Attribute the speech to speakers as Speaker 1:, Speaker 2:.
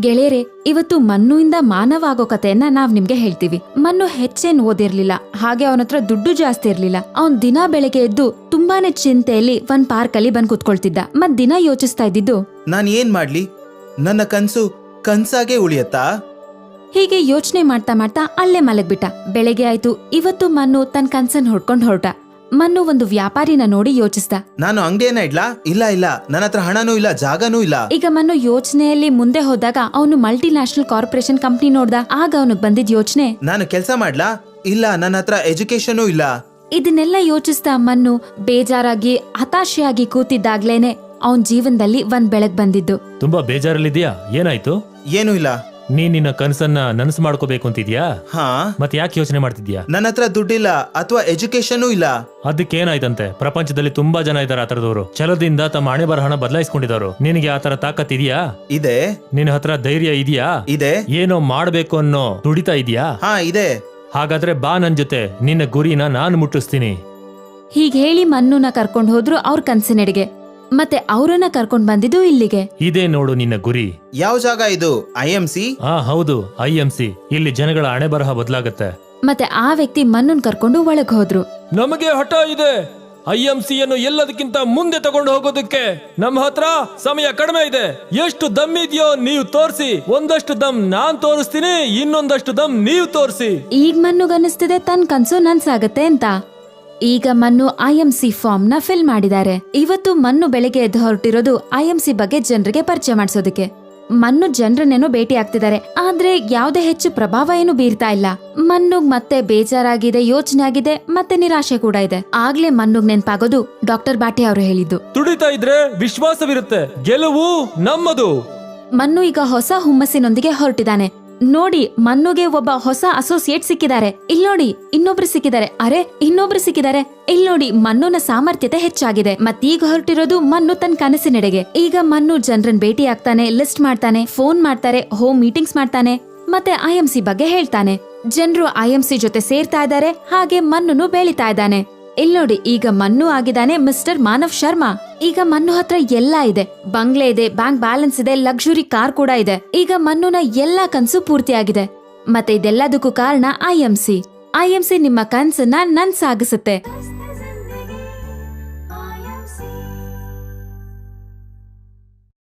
Speaker 1: ಗೆಳೆಯರೆ, ಇವತ್ತು ಮನ್ನುಯಿಂದ ಮಾನವ ಆಗೋ ಕಥೆಯನ್ನ ನಾವ್ ನಿಮ್ಗೆ ಹೇಳ್ತೀವಿ. ಮನ್ನು ಹೆಚ್ಚೇನ್ ಓದಿರ್ಲಿಲ್ಲ, ಹಾಗೆ ಅವನತ್ರ ದುಡ್ಡು ಜಾಸ್ತಿ ಇರ್ಲಿಲ್ಲ. ಅವನ್ ದಿನ ಬೆಳಗ್ಗೆ ಎದ್ದು ತುಂಬಾನೇ ಚಿಂತೆಯಲ್ಲಿ ಒಂದ್ ಪಾರ್ಕ್ ಅಲ್ಲಿ ಬಂದ್ ಕುತ್ಕೊಳ್ತಿದ್ದ. ಮತ್ ದಿನ ಯೋಚಿಸ್ತಾ ಇದ್ದಿದ್ದು,
Speaker 2: ನಾನ್ ಏನ್ ಮಾಡ್ಲಿ, ನನ್ನ ಕನ್ಸು ಕನ್ಸಾಗೆ ಉಳಿಯತ್ತಾ?
Speaker 1: ಹೀಗೆ ಯೋಚನೆ ಮಾಡ್ತಾ ಮಾಡ್ತಾ ಅಲ್ಲೇ ಮಲಗ್ಬಿಟ್ಟ. ಬೆಳಗ್ಗೆ ಆಯ್ತು. ಇವತ್ತು ಮನ್ನು ತನ್ ಕನ್ಸನ್ ಹೊಡ್ಕೊಂಡ್ ಹೊರಟ. ಮನ್ನು ಒಂದು ವ್ಯಾಪಾರಿನ ನೋಡಿ ಯೋಚಿಸ್ದ.
Speaker 2: ನಾನು ಅಂಗಡಿಯನ್ನ ಇಡ್ಲಾ? ಇಲ್ಲ ಇಲ್ಲ, ನನ್ನ ಹತ್ರ ಹಣನೂ ಇಲ್ಲ, ಜಾಗನೂ ಇಲ್ಲ.
Speaker 1: ಈಗ ಮನ್ನು ಯೋಚನೆಯಲ್ಲಿ ಮುಂದೆ ಹೋದಾಗ ಅವನು ಮಲ್ಟಿ ನ್ಯಾಷನಲ್ ಕಾರ್ಪೊರೇಷನ್ ಕಂಪ್ನಿ ನೋಡ್ದ. ಆಗ ಅವನಿಗೆ ಬಂದಿದ್ ಯೋಚನೆ,
Speaker 2: ನಾನು ಕೆಲಸ ಮಾಡ್ಲಾ? ಇಲ್ಲ, ನನ್ನ ಹತ್ರ ಎಜುಕೇಶನೂ ಇಲ್ಲ.
Speaker 1: ಇದನ್ನೆಲ್ಲ ಯೋಚಿಸ್ತಾ ಮನ್ನು ಬೇಜಾರಾಗಿ ಹತಾಶೆಯಾಗಿ ಕೂತಿದ್ದಾಗ್ಲೇನೆ ಅವನ್ ಜೀವನದಲ್ಲಿ ಒಂದ್ ಬೆಳಗ್ ಬಂದಿದ್ದು.
Speaker 3: ತುಂಬಾ ಬೇಜಾರಲ್ಲಿದ್ಯಾ? ಏನಾಯ್ತು?
Speaker 2: ಏನೂ ಇಲ್ಲ.
Speaker 3: ನೀನ್ ನಿನ್ನ ಕನಸನ್ನ ನನಸು ಮಾಡ್ಕೋಬೇಕು ಅಂತಿದ್ಯಾ?
Speaker 2: ಹಾ.
Speaker 3: ಮತ್ತೆ ಯಾಕೆ ಯೋಚನೆ ಮಾಡ್ತಿದ್ಯಾ?
Speaker 2: ನನ್ನ ಹತ್ರ ದುಡ್ಡಿಲ್ಲ ಅಥವಾ ಎಜುಕೇಶನೂ ಇಲ್ಲ.
Speaker 3: ಅದಕ್ಕೇನಾಯ್ತಂತೆ? ಪ್ರಪಂಚದಲ್ಲಿ ತುಂಬಾ ಜನ ಇದಾರೆ ಆತರದವರು. ಛಲದಿಂದ ತಮ್ಮ ಹಣೆ ಬರಹಣ ಬದಲಾಯಿಸ್ಕೊಂಡಿದವರು. ನಿನಗೆ ಆತರ ತಾಕತ್ ಇದೆಯಾ?
Speaker 2: ಇದೆ.
Speaker 3: ನಿನ್ನ ಹತ್ರ ಧೈರ್ಯ ಇದೆಯಾ?
Speaker 2: ಇದೆ.
Speaker 3: ಏನೋ ಮಾಡ್ಬೇಕು ಅನ್ನೋ ತುಡಿತಾ ಇದೆಯಾ?
Speaker 2: ಹಾ, ಇದೆ.
Speaker 3: ಹಾಗಾದ್ರೆ ಬಾ ನನ್ ಜೊತೆ, ನಿನ್ನ ಗುರಿನ ನಾನು ಮುಟ್ಟಿಸ್ತೀನಿ.
Speaker 1: ಹೀಗ್ ಹೇಳಿ ಮನ್ನುನ ಕರ್ಕೊಂಡ್ ಹೋದ್ರು ಅವ್ರ ಕನ್ಸಿನೆಡೆಗೆ. ಮತ್ತೆ ಅವರನ್ನ ಕರ್ಕೊಂಡ್ ಬಂದಿದ್ದು ಇಲ್ಲಿಗೆ.
Speaker 3: ಇದೇ ನೋಡು ನಿನ್ನ ಗುರಿ.
Speaker 2: ಯಾವ ಜಾಗ ಇದು? IMC?
Speaker 3: ಹೌದು, IMC. ಇಲ್ಲಿ ಜನಗಳ ಹಣೆ ಬರಹ ಬದಲಾಗತ್ತೆ.
Speaker 1: ಮತ್ತೆ ಆ ವ್ಯಕ್ತಿ ಮನ್ನನ್ ಕರ್ಕೊಂಡು ಒಳಗ್ ಹೋದ್ರು.
Speaker 3: ನಮಗೆ ಹಠ ಇದೆ. IMCಯನ್ನು ಎಲ್ಲದಕ್ಕಿಂತ ಮುಂದೆ ತಗೊಂಡು ಹೋಗೋದಕ್ಕೆ ನಮ್ಮ ಹತ್ರ ಸಮಯ ಕಡಿಮೆ ಇದೆ. ಎಷ್ಟು ದಮ್ ಇದೆಯೋ ನೀವು ತೋರಿಸಿ. ಒಂದಷ್ಟು ದಮ್ ನಾನ್ ತೋರಿಸ್ತೀನಿ, ಇನ್ನೊಂದಷ್ಟು ದಮ್ ನೀವು ತೋರಿಸಿ.
Speaker 1: ಈಗ ಮನ್ನುಗನ್ನಿಸ್ತಿದೆ ತನ್ ಕನ್ಸು ನನ್ಸಾಗತ್ತೆ ಅಂತ. ಈಗ ಮನ್ನು IMC ಫಾರ್ಮ್ ನ ಫಿಲ್ ಮಾಡಿದ್ದಾರೆ. ಇವತ್ತು ಮನ್ನು ಬೆಳಗ್ಗೆ ಎದ್ದು ಹೊರಟಿರೋದು IMC ಬಗ್ಗೆ ಜನರಿಗೆ ಪರಿಚಯ ಮಾಡಿಸೋದಕ್ಕೆ. ಮನ್ನು ಜನರನ್ನೇನೋ ಭೇಟಿ ಆಗ್ತಿದ್ದಾರೆ, ಆದ್ರೆ ಯಾವ್ದೇ ಹೆಚ್ಚು ಪ್ರಭಾವ ಏನು ಬೀರ್ತಾ ಇಲ್ಲ. ಮನ್ನುಗ್ ಮತ್ತೆ ಬೇಜಾರಾಗಿದೆ, ಯೋಚನೆ ಆಗಿದೆ, ಮತ್ತೆ ನಿರಾಶೆ ಕೂಡ ಇದೆ. ಆಗ್ಲೇ ಮನ್ನುಗ್ ನೆನ್ಪಾಗೋದು ಡಾಕ್ಟರ್ ಬಾಟಿ ಅವರು ಹೇಳಿದ್ದು,
Speaker 3: ತುಡಿತಾ ಇದ್ರೆ ವಿಶ್ವಾಸವಿರುತ್ತೆ, ಗೆಲುವು ನಮ್ಮದು.
Speaker 1: ಮನ್ನು ಈಗ ಹೊಸ ಹುಮ್ಮಸ್ಸಿನೊಂದಿಗೆ ಹೊರಟಿದ್ದಾನೆ. ನೋಡಿ, ಮನ್ನುಗೆ ಒಬ್ಬ ಹೊಸ ಅಸೋಸಿಯೇಟ್ ಸಿಕ್ಕಿದ್ದಾರೆ. ಇಲ್ ನೋಡಿ, ಇನ್ನೊಬ್ರು ಸಿಕ್ಕಿದ್ದಾರೆ. ಅರೆ, ಇನ್ನೊಬ್ರು ಸಿಕ್ಕಿದ್ದಾರೆ. ಇಲ್ ನೋಡಿ, ಮನ್ನುನ ಸಾಮರ್ಥ್ಯತೆ ಹೆಚ್ಚಾಗಿದೆ. ಮತ್ತೀಗ ಹೊರಟಿರೋದು ಮನ್ನು ತನ್ನ ಕನಸಿನೆಡೆಗೆ. ಈಗ ಮನ್ನು ಜನರನ್ನ ಭೇಟಿ ಆಗ್ತಾನೆ, ಲಿಸ್ಟ್ ಮಾಡ್ತಾನೆ, ಫೋನ್ ಮಾಡ್ತಾರೆ, ಹೋಮ್ ಮೀಟಿಂಗ್ಸ್ ಮಾಡ್ತಾನೆ, ಮತ್ತೆ IMC ಬಗ್ಗೆ ಹೇಳ್ತಾನೆ. ಜನರು IMC ಜೊತೆ ಸೇರ್ತಾ ಇದ್ದಾರೆ, ಹಾಗೆ ಮನ್ನುನು ಬೆಳಿತಾ ಇದ್ದಾನೆ. ಇಲ್ ನೋಡಿ, ಈಗ ಮನ್ನು ಆಗಿದ್ದಾನೆ ಮಿಸ್ಟರ್ ಮಾನವ್ ಶರ್ಮಾ. ಈಗ ಮನ್ನು ಹತ್ರ ಎಲ್ಲ ಇದೆ. ಬಂಗ್ಲೆ ಇದೆ, ಬ್ಯಾಂಕ್ ಬ್ಯಾಲೆನ್ಸ್ ಇದೆ, ಲಕ್ಸುರಿ ಕಾರ್ ಕೂಡ ಇದೆ. ಈಗ ಮನ್ನುನ ಎಲ್ಲಾ ಕನ್ಸು ಪೂರ್ತಿಯಾಗಿದೆ. ಮತ್ತೆ ಇದೆಲ್ಲದಕ್ಕೂ ಕಾರಣ IMC. IMC ನಿಮ್ಮ ಕನ್ಸನ್ನ ನನ್ಸಾಗಿಸುತ್ತೆ.